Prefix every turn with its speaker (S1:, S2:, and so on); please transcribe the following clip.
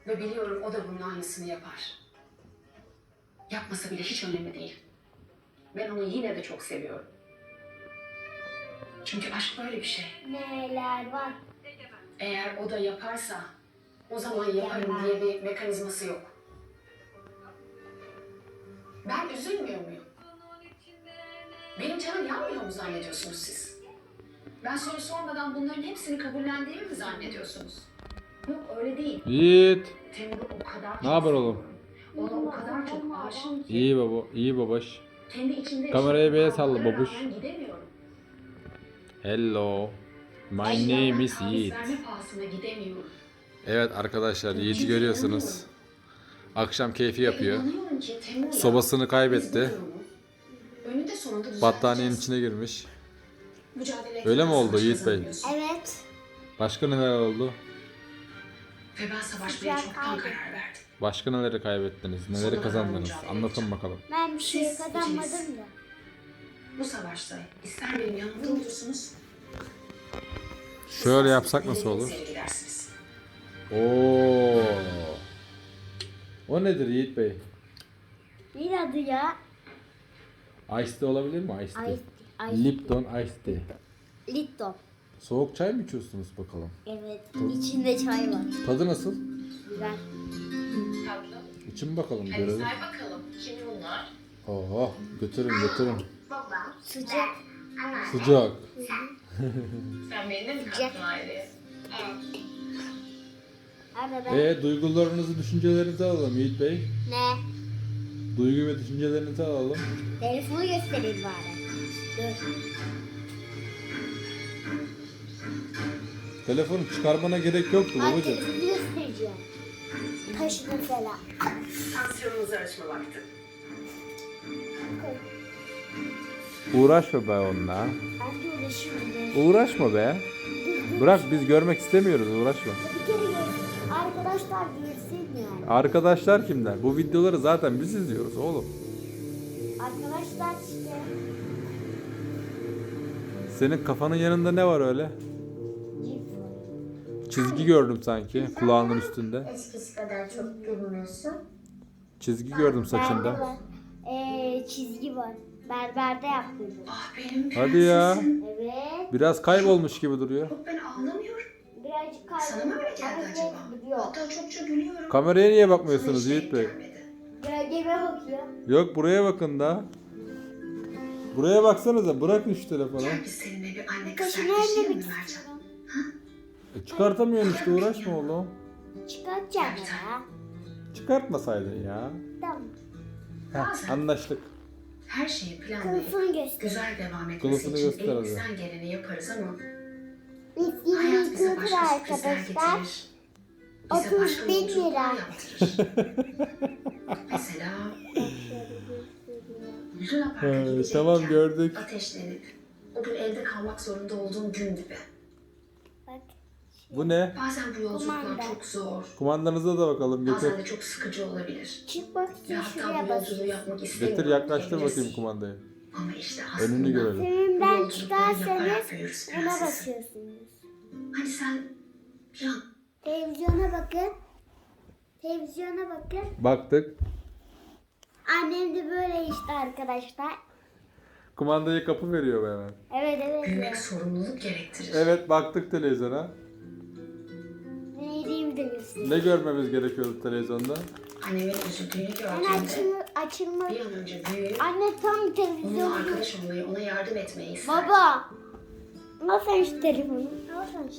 S1: Ve biliyorum o da bunun aynısını yapar. Yapmasa bile hiç önemli değil. Ben onu yine de çok seviyorum. Çünkü aşk böyle bir şey.
S2: Neler var?
S1: Eğer o da yaparsa o zaman yaparım diye bir mekanizması yok. Ben üzülmüyor muyum? Benim canım yanmıyor mu zannediyorsunuz siz? Ben soru sormadan bunların hepsini kabullendiğimi mi zannediyorsunuz? Yok öyle değil.
S3: Yiğit.
S1: Temur'u o kadar
S3: Ne haber
S1: çok
S3: oğlum?
S1: seviyorum. Ona o kadar çok aşığım ki.
S3: İyi baba, iyi babaş.
S1: Kendi içinde
S3: Kamerayı bir el salla
S1: kavgalara
S3: babuş.
S1: rağmen gidemiyorum.
S3: Hello. My
S1: Eşyadan
S3: name is
S1: taviz
S3: Yiğit.
S1: verme pahasına gidemiyorum.
S3: Evet arkadaşlar, Yiğit'i
S1: Çünkü
S3: görüyorsunuz.
S1: inanıyorum.
S3: Akşam keyfi
S1: Ve
S3: yapıyor.
S1: inanıyorum ki Temur'la
S3: Sobasını
S1: biz bu
S3: kaybetti.
S1: durumu önünde sonunda düzelteceğiz.
S3: Battaniyenin içine girmiş.
S1: Mücadele
S3: Öyle mi
S1: etmeden
S3: oldu
S1: savaş
S3: Yiğit Bey?
S1: kazanmıyorsun.
S2: Evet.
S3: Başka neler oldu?
S1: Ve ben savaşmaya
S2: Sıcak
S1: çoktan
S2: kaldı.
S1: karar verdim.
S3: Başka neleri kaybettiniz? Neleri kazandınız? Anlatın bakalım.
S2: Ben bir şey
S1: Siz
S2: kazanmadım
S1: ikiniz.
S2: da.
S1: Bu savaşta ister benim yanımda olursunuz.
S3: Şöyle yapsak nasıl olur?
S1: Gidersiniz.
S3: Oo. O nedir Yiğit Bey?
S2: Bir adı ya.
S3: Ice tea olabilir mi? Ice tea.
S2: Ice-
S3: Lipton Ice tea.
S2: Lipton.
S3: Soğuk çay mı içiyorsunuz bakalım?
S2: Evet. İçinde çay var.
S3: Tadı nasıl?
S2: Güzel.
S1: Tatlım.
S3: İçin bakalım
S1: Hadi
S3: görelim.
S1: say bakalım. Kim bunlar?
S3: Oho, götürün götürün.
S1: Baba.
S2: Sıcak.
S3: Sıcak.
S1: Sen benimle mi
S2: Sıcak.
S1: kalktın aileye?
S2: Hadi ben.
S3: Duygularınızı, düşüncelerinizi alalım Yiğit Bey.
S2: Ne?
S3: Duygu ve düşüncelerinizi alalım.
S2: Telefonu göstereyim bari. Dur.
S3: Telefonu çıkarmana gerek yoktu
S2: Ay,
S3: babacığım.
S2: telefonu göstereceğim. Taşı mesela.
S1: Tansiyonunuzu ölçme vakti.
S3: Uğraşma be onunla.
S2: Ben de uğraşıyorum.
S3: Uğraşma be. Bırak, biz görmek istemiyoruz, uğraşma.
S2: Bir kere arkadaşlar görsün yani.
S3: Arkadaşlar kimler? Bu videoları zaten biz izliyoruz oğlum.
S2: Arkadaşlar işte.
S3: Senin kafanın yanında ne var öyle?
S2: Cips.
S3: Çizgi gördüm sanki kulağının üstünde.
S2: Eskisi kadar çok gülmüyorsun.
S3: Çizgi gördüm
S2: Bende
S3: saçında.
S2: var. Çizgi var. Berberde yaptım.
S1: Ah benim
S3: Hadi ya.
S1: prensesim.
S2: Evet.
S3: Biraz kaybolmuş gibi duruyor.
S1: Yok ben ağlamıyorum.
S2: Birazcık
S1: Sana mı öyle
S2: kayboldu.
S1: geldi acaba?
S2: Gidiyor.
S1: Hatta çokça gülüyorum.
S3: Kameraya niye
S1: Sana
S3: bakmıyorsunuz
S1: hiç
S3: Yiğit
S1: denk
S3: Bey?
S1: gelmedi.
S2: Gölgeme bakıyor.
S3: Yok, buraya bakın da. Buraya baksanıza, bırakın şu telefonu.
S1: Gel biz seninle bir anne kız
S2: Kaşını
S1: kardeşiyle
S2: ellemek
S1: mi Mercan?
S2: istiyorum.
S3: Çıkartamıyorsun işte, uğraşma oğlum.
S2: Çıkartacağım ya.
S3: Çıkartmasaydın ya.
S2: Tamam.
S3: Heh, anlaştık.
S1: Her şeyi planlayıp
S2: Kılıfını göster.
S1: güzel devam etmesi
S3: Kılıfını
S1: için
S3: göster hadi.
S1: elimizden geleni yaparız ama
S2: Biz
S1: hayat
S2: 20
S1: bize
S2: yıldır
S1: başka sürprizler
S2: arkadaşlar.
S1: getirir. Bize
S2: 30
S1: başka
S2: bin
S1: yolculuklar
S2: lira.
S1: yaptırır. Mesela Luna Park'a gidecekken
S3: tamam, gördük.
S1: ateşlenip o gün evde kalmak zorunda olduğum gün gibi.
S2: Bak.
S3: Bu ne?
S1: Bazen bu yolculuklar
S2: Kumanda.
S1: çok zor.
S3: Kumandanıza da bakalım, getir.
S1: Bazen de çok sıkıcı olabilir.
S2: Çıkmak
S1: Ve
S2: için
S1: hatta
S2: şuraya
S1: bu yolculuğu
S2: basıyorsun.
S1: yapmak istemiyorum.
S3: Getir, yaklaştır
S1: diyebilirsin.
S3: bakayım kumandayı.
S1: Ama işte aslında
S3: Önünü görelim.
S1: bu
S2: Önünden
S1: yolculukları yaparak
S2: çıkarsanız
S1: büyürüz
S2: buna
S1: prensesim.
S2: basıyorsunuz.
S1: Hani sen bir an
S2: Televizyona bakın. Televizyona bakın.
S3: Baktık.
S2: Annem de böyle işte arkadaşlar.
S3: Kumandayı kapı veriyor be hemen.
S2: Evet.
S1: büyümek sorumluluk gerektirir.
S3: Evet, baktık televizyona.
S2: Neydiğimi de göstereyim.
S3: Ne görmemiz gerekiyordu televizyonda?
S1: Annemin üzüldüğünü
S2: Ben
S1: gördüğümde
S2: açılma.
S1: bir an önce büyüyüp
S2: Anne tam
S1: onunla
S2: televizyonu.
S1: arkadaş olmayı, ona yardım etmeyi isterdim.
S2: Baba. Al sen şu telefonu. Al sen şu